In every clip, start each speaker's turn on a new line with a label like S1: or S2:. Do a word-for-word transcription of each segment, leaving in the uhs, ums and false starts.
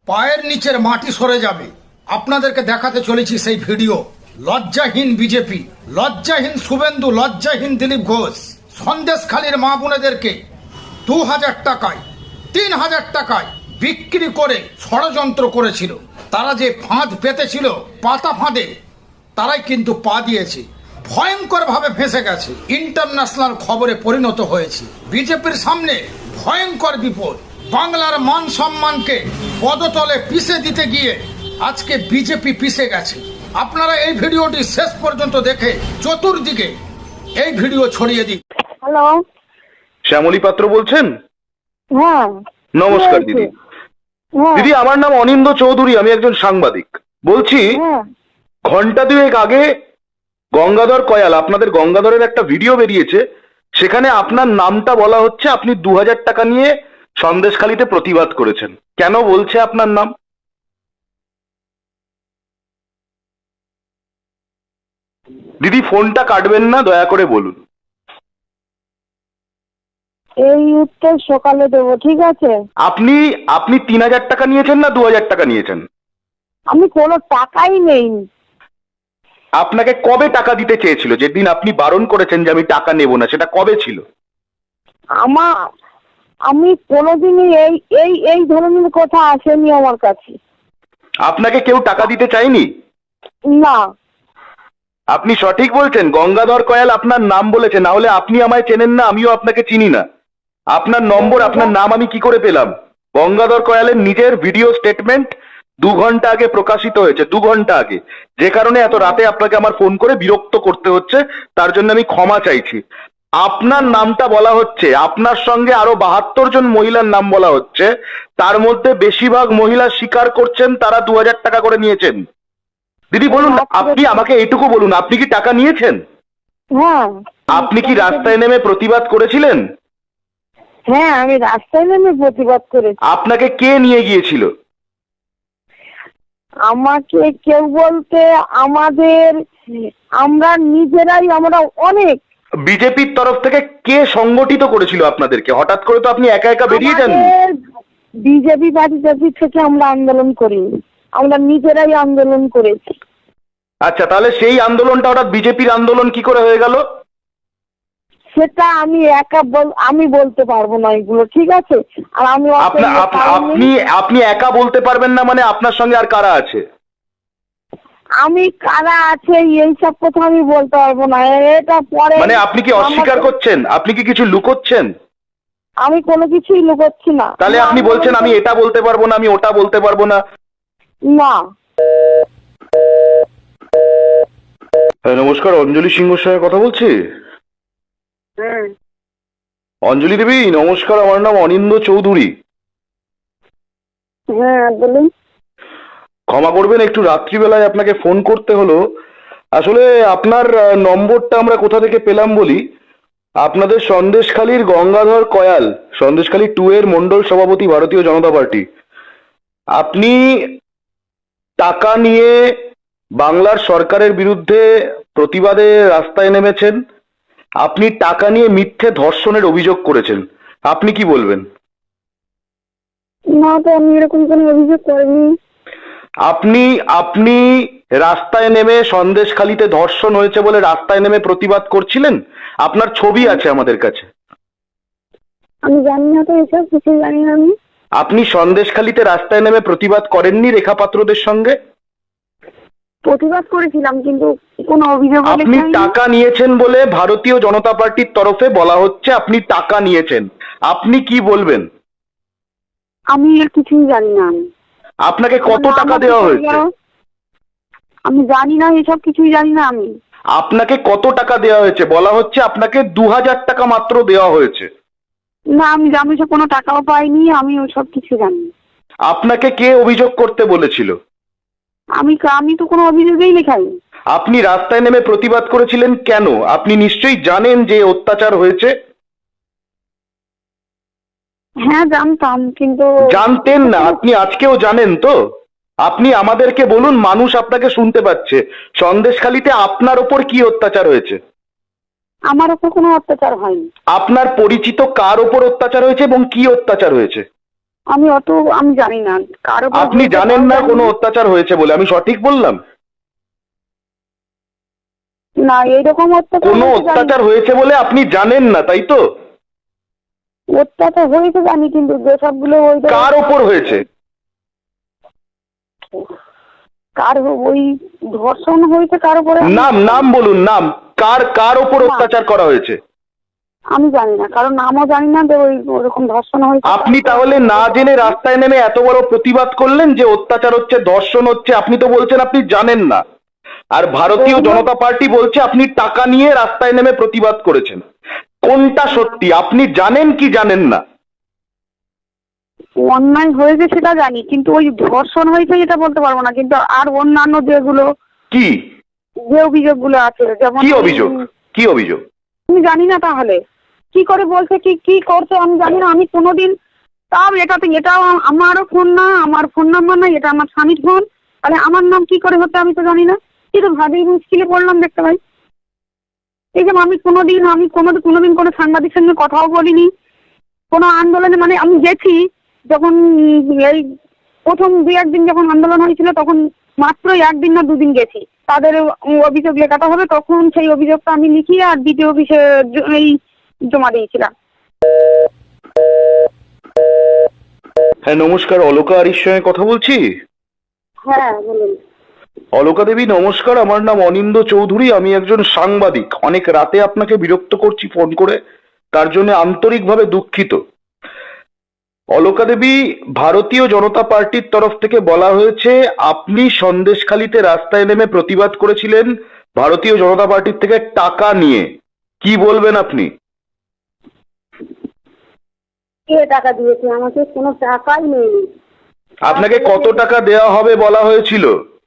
S1: পায়ের নিচের মাটি সরে যাবে। আপনাদেরকে দেখাতে চলেছি সেই ভিডিও। লজ্জাহীন বিজেপি, লজ্জাহীন শুভেন্দু, লজ্জাহীন দিলীপ ঘোষ সন্দেশখালীর মা বোনেদেরকে দু হাজার টাকায় তিন হাজার টাকায় বিক্রি করে ষড়যন্ত্র করেছিল। তারা যে ফাঁদ পেতেছিল পাতা ফাঁদে, তারাই কিন্তু পা দিয়েছে, ভয়ঙ্কর ভাবে ফেঁসে গেছে, ইন্টারন্যাশনাল খবরে পরিণত হয়েছে। বিজেপির সামনে ভয়ঙ্কর বিপদ। বাংলার মান সম্মানকে পদতলে পিষে দিতে গিয়ে আজকে বিজেপি পিষে গেছে। আপনারা এই ভিডিওটি শেষ পর্যন্ত দেখে চতুর্দিকে এই ভিডিও ছড়িয়ে দিন।
S2: হ্যালো,
S3: শ্যামলী পাত্র বলছেন?
S2: হ্যাঁ
S3: নমস্কার দিদি।
S2: হ্যাঁ
S3: দিদি, আমার নাম অনিন্দ চৌধুরী, আমি একজন সাংবাদিক বলছি।
S2: হ্যাঁ
S3: ঘন্টা দুয়েক আগে গঙ্গাধর কয়াল, আপনাদের গঙ্গাধরের একটা ভিডিও বেরিয়েছে, সেখানে আপনার নামটা বলা হচ্ছে। আপনি দু হাজার টাকা নিয়ে সন্দেশখালীতে প্রতিবাদ করেছেন। কেন বলছে আপনার নাম? দিদি, ফোনটা কাটবেন না, দয়া করে বলুন।
S2: এই উত্তর সকালে দেবো, ঠিক আছে?
S3: আপনি আপনি তিন হাজার টাকা নিয়েছেন না দু হাজার টাকা নিয়েছেন?
S2: আমি কোনো টাকাই নেই।
S3: আপনাকে কবে টাকা দিতে চেয়েছিল? যেদিন আপনি বারণ করেছেন যে আমি টাকা নেব না, সেটা কবে ছিল?
S2: আমার আমি কোনোদিনই এই এই এই ধরনের কথা আসেনি আমার কাছে।
S3: আপনাকে কেউ টাকা দিতে চায়নি?
S2: না,
S3: আপনি সঠিক বলছেন। গঙ্গাধর কয়াল আপনার নাম বলেছে, না হলে আপনি আমায় চেনেন না, আমিও আপনাকে চিনি না। আপনার নম্বর, আপনার নাম আমি কি করে পেলাম? গঙ্গাধর কয়ালের নিজের ভিডিও স্টেটমেন্ট দু ঘন্টা আগে প্রকাশিত হয়েছে, দু ঘন্টা আগে। যে কারণে এত রাতে আপনাকে আমার ফোন করে বিরক্ত করতে হচ্ছে, তার জন্য আমি ক্ষমা চাইছি। আপনার নামটা বলা হচ্ছে, আপনার সঙ্গে আরো বাহাত্তর জন মহিলার নাম বলা হচ্ছে, তার মধ্যে বেশিরভাগ মহিলা স্বীকার করছেন তারা দু হাজার টাকা করে নিয়েছেন। দিদি বলুন, আপনি আমাকে এইটুকু বলুন, আপনি কি টাকা নিয়েছেন?
S2: হ্যাঁ।
S3: আপনি কি রাস্তায় নেমে প্রতিবাদ করেছিলেন?
S2: হ্যাঁ, আমি রাস্তায় নেমে প্রতিবাদ করেছি।
S3: আপনাকে কে নিয়ে গিয়েছিল?
S2: আমাকে কেউ বলতে আমাদের আমরা নিজেরাই, আমরা অনেক।
S3: বিজেপির তরফ থেকে কে সংগঠিত করেছিল আপনাদেরকে? হঠাৎ করে তো আপনি একা একা বেরিয়ে যান।
S2: বিজেপি পার্টি থেকে আমরা আন্দোলন করিনি, আমরা নিজেরাই আন্দোলন করেছি।
S3: আচ্ছা, তাহলে সেই আন্দোলনটা হঠাৎ বিজেপির আন্দোলন কি করে হয়ে গেল?
S2: সেটা আমি একা বল আমি বলতে পারবো না এগুলো, ঠিক আছে? আর আমি
S3: আপনা আপনি আপনি একা বলতে পারবেন না মানে আপনার সঙ্গে আর কারা আছে?
S2: আমি কারা আছে এইসব কথা আমি বলতে পারবো না, এটা পরে।
S3: মানে আপনি কি অস্বীকার করছেন? আপনি কি কিছু লুকোচ্ছেন?
S2: আমি কোনো কিছুই লুকোচ্ছি না।
S3: তাহলে আপনি বলছেন আমি এটা বলতে পারবো না, আমি ওটা বলতে পারবো না।
S2: না।
S3: হ্যাঁ, নমস্কার, অঞ্জলি সিংহর সঙ্গে কথা বলছি।
S2: হ্যাঁ
S3: অঞ্জলি দেবী নমস্কার, আমার নাম অনিন্দ চৌধুরী।
S2: হ্যাঁ বলুন।
S3: ক্ষমা করবেন, একটু রাত্রিবেলায় আপনাকে ফোন করতে হলো। আসলে আপনার নম্বরটা আমরা কোথা থেকে পেলাম বলি। আপনাদের সন্দেশখালীর গঙ্গাধর কয়াল, সন্দেশখালী টু এর মন্ডল সভাপতি, ভারতীয় জনতা পার্টি, আপনি টাকা নিয়ে বাংলার সরকারের বিরুদ্ধে প্রতিবাদে রাস্তায় নেমেছেন। আপনি টাকা নিয়ে মিথ্যে ধর্ষণের অভিযোগ করেছেন। আপনি কি বলবেন?
S2: না, তো আমি এরকম কোনো অভিযোগ করিনি।
S3: আপনি আপনি রাস্তায় নেমে সন্দেশখালীতে ধর্ষণ হয়েছে বলে রাস্তায় নেমে প্রতিবাদ করছিলেন। আপনার ছবি আছে আমাদের কাছে।
S2: আমি জানি না তো, এসব কিছু জানি না আমি।
S3: আপনি সন্দেশখালীতে রাস্তায় নেমে প্রতিবাদ করেননি রেখা পাত্রদের সঙ্গে?
S2: প্রতিবাদ করেছিলাম, কিন্তু কোনো অভিযোগ
S3: আপনি টাকা নিয়েছেন বলে ভারতীয় জনতা পার্টির তরফে বলা হচ্ছে আপনি টাকা নিয়েছেন। আপনি কি বলবেন?
S2: আমি এর কিছুই জানি না। আমি
S3: আপনাকে কত টাকা দেওয়া হয়েছে?
S2: আমি জানি না, এসব কিছুই জানি না আমি।
S3: আপনাকে কত টাকা দেওয়া হয়েছে? বলা হচ্ছে আপনাকে দু হাজার টাকা মাত্র দেওয়া হয়েছে।
S2: না, আমি আমি সব কোনো টাকাও পাইনি, আমি ওসব কিছু জানি না।
S3: আপনাকে কে অভিযোগ করতে বলেছিল?
S2: আমি আমি তো কোনো অভিযোগই লেখাইনি।
S3: আপনি রাস্তায় নেমে প্রতিবাদ করেছিলেন কেন? আপনি নিশ্চয়ই জানেন যে অত্যাচার হয়েছে।
S2: হ্যাঁ জানতাম, কিন্তু
S3: জানতেন না, আপনি আজকেও জানেন তো? আপনি আমাদেরকে বলুন, মানুষ আপনাকে শুনতে পাচ্ছে। সন্দেশখালীতে আপনার ওপর কি অত্যাচার হয়েছে?
S2: আমার ওপর কোনো অত্যাচার হয়নি।
S3: আপনার পরিচিত কার ওপর অত্যাচার হয়েছে এবং কি অত্যাচার হয়েছে?
S2: আমি অত আমি জানি না কার উপর
S3: আপনি
S2: হয়েছে
S3: জানেন
S2: তাও
S3: না
S2: জানি
S3: কোনো অত্যাচার হয়েছে বলে, আমি সঠিক বললাম?
S2: না এইরকম অত্যাচার
S3: কোনো
S2: হয়েছে জানি না।
S3: অত্যাচার হয়েছে বলে আপনি জানেন না, তাই তো?
S2: অত্যাচার হয়েছে জানি, কিন্তু যেসবগুলো ওই
S3: কার ওপর হয়েছে?
S2: কার ওই ধর্ষণ হয়েছে কার উপরে আমি-
S3: নাম নাম বলুন, নাম কার কার ওপর অত্যাচার করা হয়েছে?
S2: আমি জানি না, কারণ নামও জানি না যে ওই ওরকম ধর্ষণ হয়েছে।
S3: আপনি তাহলে না জেনে রাস্তায় নেমে এত বড় প্রতিবাদ করলেন যে অত্যাচার হচ্ছে, ধর্ষণ হচ্ছে, আপনি তো বলছেন আপনি জানেন না। আর ভারতীয় জনতা পার্টি বলছে আপনি টাকা নিয়ে রাস্তায় নেমে প্রতিবাদ করেছেন। কোনটা সত্যি, আপনি জানেন কি জানেন না?
S2: অন্যায় হয়েছে সেটা জানি, কিন্তু ওই ধর্ষণ হয়েছে এটা বলতে পারবো না, কিন্তু আর অন্যান্য যেগুলো
S3: কি
S2: যে অভিযোগগুলো আছে, যেমন
S3: কি অভিযোগ কি অভিযোগ
S2: আমি জানি না। তাহলে কি করে বলছে, কি কি করছে আমি জানি না। আমি কোনোদিন তাও এটাতে এটা আমারও ফোন না, আমার ফোন নাম্বার না, এটা আমার স্বামীর ফোন। তাহলে আমার নাম কি করে হচ্ছে আমি তো জানি না। কিন্তু ভাবি মুশকিলে পড়লাম দেখতে ভাই। এই যে আমি কোনোদিন আমি কোনো কোনোদিন কোনো সাংবাদিক সঙ্গে কথাও বলিনি, কোনো আন্দোলনে, মানে আমি গেছি যখন এই প্রথম দুই একদিন যখন আন্দোলন হয়েছিল তখন মাত্র একদিন না দুদিন গেছি। তাদের অভিযোগ লেখাতে হবে, তখন সেই অভিযোগটা আমি লিখিয়ে আর দ্বিতীয় অফিসে এই জমা দিয়েছিলাম।
S3: হ্যাঁ নমস্কার, অলকা আরির সঙ্গে কথা বলছি।
S2: হ্যাঁ বলুন।
S3: অলকা দেবী নমস্কার, আমার নাম অনিন্দ চৌধুরী, আমি একজন সাংবাদিক। অনেক রাতে আপনাকে বিরক্ত করছি ফোন করে, তার জন্য আন্তরিকভাবে দুঃখিত। অলকা দেবী, ভারতীয় জনতা পার্টির তরফ থেকে বলা হয়েছে আপনি সন্দেশখালিতে রাস্তায় নেমে প্রতিবাদ করেছিলেন ভারতীয় জনতা পার্টির থেকে টাকা নিয়ে। কি বলবেন আপনি?
S2: কে টাকা দিয়েছে? আমাকে কোনো টাকাই নেই।
S3: আপনাকে কত টাকা দেওয়া হবে বলা হয়েছিল?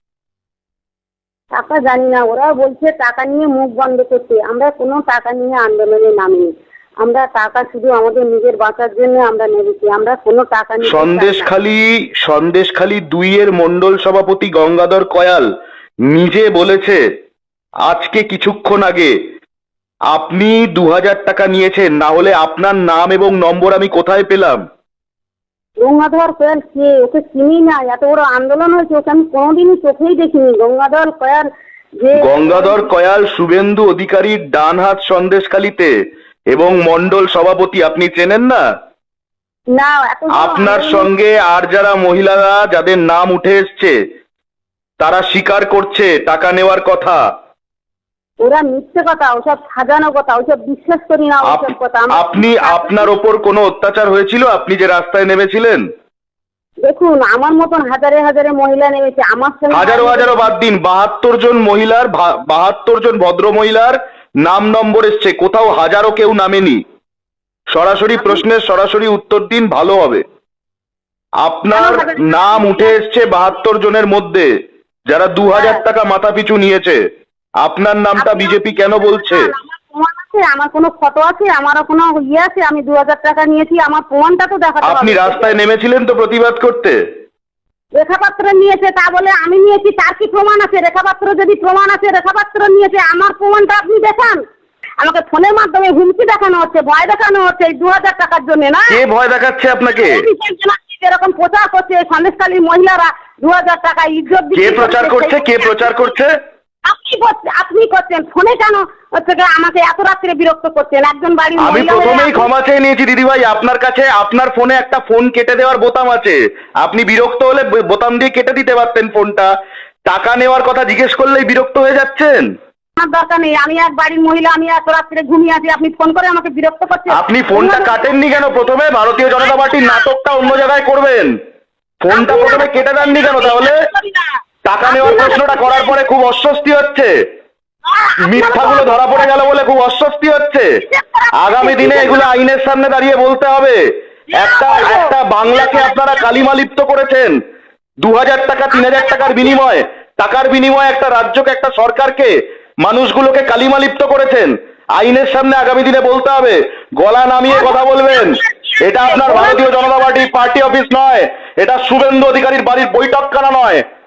S2: টাকা জানি না, ওরা বলছে টাকা নিয়ে মুখ বন্ধ করতে। আমরা কোনো টাকা নিয়ে আন্দোলনে নামিনি। আমরা টাকা শুধু আমাদের নিজের বাঁচার জন্য আমরা নেমেছি, আমরা কোনো টাকা নিয়ে
S3: সন্দেশখালি সন্দেশখালি দুইয়ের মন্ডল সভাপতি গঙ্গাধর কয়াল নিজে বলেছে আজকে কিছুক্ষণ আগে আপনি দু হাজার টাকা নিয়েছেন, না হলে আপনার নাম এবং নম্বর আমি কোথায় পেলাম?
S2: গঙ্গাধর কয়াল কে? ওকে চিনি না। এত বড় আন্দোলন হয়েছে, ওকে আমি কোনোদিনই চোখেই দেখিনি। গঙ্গাধর কয়াল যে
S3: গঙ্গাধর কয়াল শুভেন্দু অধিকারীর ডান হাত সন্দেশখালিতে এবং মন্ডল সভাপতি, আপনি চেনেন না?
S2: না, এত বড়
S3: আপনার
S2: আন্দোলন-
S3: সঙ্গে আর যারা মহিলারা যাদের নাম উঠে এসছে তারা স্বীকার করছে টাকা নেওয়ার কথা।
S2: ওরা মিথ্যে কথা, ওসব সাজানো কথা, ওসব বিশ্বাস করি না ওসব
S3: আপ-
S2: কথা। আমরা-
S3: আপনি আপনার ওপর কোনো অত্যাচার হয়েছিল আপনি যে রাস্তায় নেমেছিলেন?
S2: দেখুন, আমার মতন হাজারে হাজারে মহিলা নেমেছে আমার সঙ্গে।
S3: হাজারো হাজারো বাদ দিন, বাহাত্তর জন মহিলার ভা- বাহাত্তর জন ভদ্র মহিলার নাম নম্বর এসছে, কোথাও হাজারো কেউ নামেনি। সরাসরি প্রশ্নের সরাসরি উত্তর দিন, ভালো হবে। আপনার নাম উঠে এসছে বাহাত্তর জনের মধ্যে যারা দু হাজার টাকা মাথা পিছু নিয়েছে। আপনার নামটা বিজেপি কেন বলছে?
S2: আমার প্রমাণ আছে, আমার কোনো ফটো আছে, আমারও কোনো ইয়ে আছে, আমি দু হাজার টাকা নিয়েছি, আমার প্রমাণটা তো দেখাতে
S3: আপনি
S2: হবে।
S3: রাস্তায় নেমেছিলেন তো প্রতিবাদ করতে?
S2: রেখাপাত্র নিয়েছে তা বলে আমি নিয়েছি তার কি প্রমাণ আছে? রেখাপাত্র যদি প্রমাণ আছে, রেখাপাত্র নিয়েছে, আমার প্রমাণটা আপনি দেখান। আমাকে ফোনের মাধ্যমে হুমকি দেখানো হচ্ছে, ভয় দেখানো হচ্ছে এই দু হাজার টাকার জন্য, না?
S3: কে ভয় দেখাচ্ছে আপনাকে?
S2: যেরকম প্রচার করছে সন্দেশখালীর মহিলারা দু হাজার টাকা ইজ্জত
S3: কে প্রচার করছে কে প্রচার করছে?
S2: আপনি করছেন, আপনি করছেন ফোনে কেন হচ্ছে গিয়ে আমাকে এত রাত্রে বিরক্ত করছেন? একজন বাড়ির
S3: আমি
S2: মহিলা হয়ে
S3: প্রথমেই
S2: আপনি-
S3: ক্ষমা চেয়ে নিয়েছি দিদিভাই, আপনার কাছে আপনার ফোনে একটা ফোন কেটে দেওয়ার বোতাম আছে, আপনি বিরক্ত হলে ব- বোতাম দিয়ে কেটে দিতে পারতেন ফোনটা। টাকা নেওয়ার কথা জিজ্ঞেস করলেই বিরক্ত হয়ে যাচ্ছেন।
S2: আমার দরকার নেই, আমি এক বাড়ির মহিলা, আমি এত রাত্রে ঘুমিয়ে আছি, আপনি ফোন করে আমাকে বিরক্ত করছেন।
S3: আপনি ফোনটা কাটেননি কেন? প্রথমে ভারতীয় জনতা পার্টির নাটকটা অন্য জায়গায় করবেন, ফোনটা প্রথমে কেটে দেননি কেন তাহলে? টাকা নেওয়ার প্রশ্নটা করার পরে খুব অস্বস্তি হচ্ছে, মিথ্যাগুলো ধরা পড়ে গেল বলে খুব অস্বস্তি হচ্ছে। আগামী দিনে এগুলো আইনের সামনে দাঁড়িয়ে বলতে হবে। একটা একটা বাংলাকে আপনারা কালিমা লিপ্ত করেছেন দু হাজার টাকা তিন হাজার টাকার বিনিময়ে, টাকার বিনিময়ে একটা রাজ্যকে একটা সরকারকে মানুষগুলোকে কালিমা লিপ্ত করেছেন। আইনের সামনে আগামী দিনে বলতে হবে, গলা নামিয়ে কথা বলবেন। এটা আপনার ভারতীয় জনতা পার্টি পার্টি অফিস নয়, এটা শুভেন্দু অধিকারীর বাড়ির বৈঠকখানা নয়।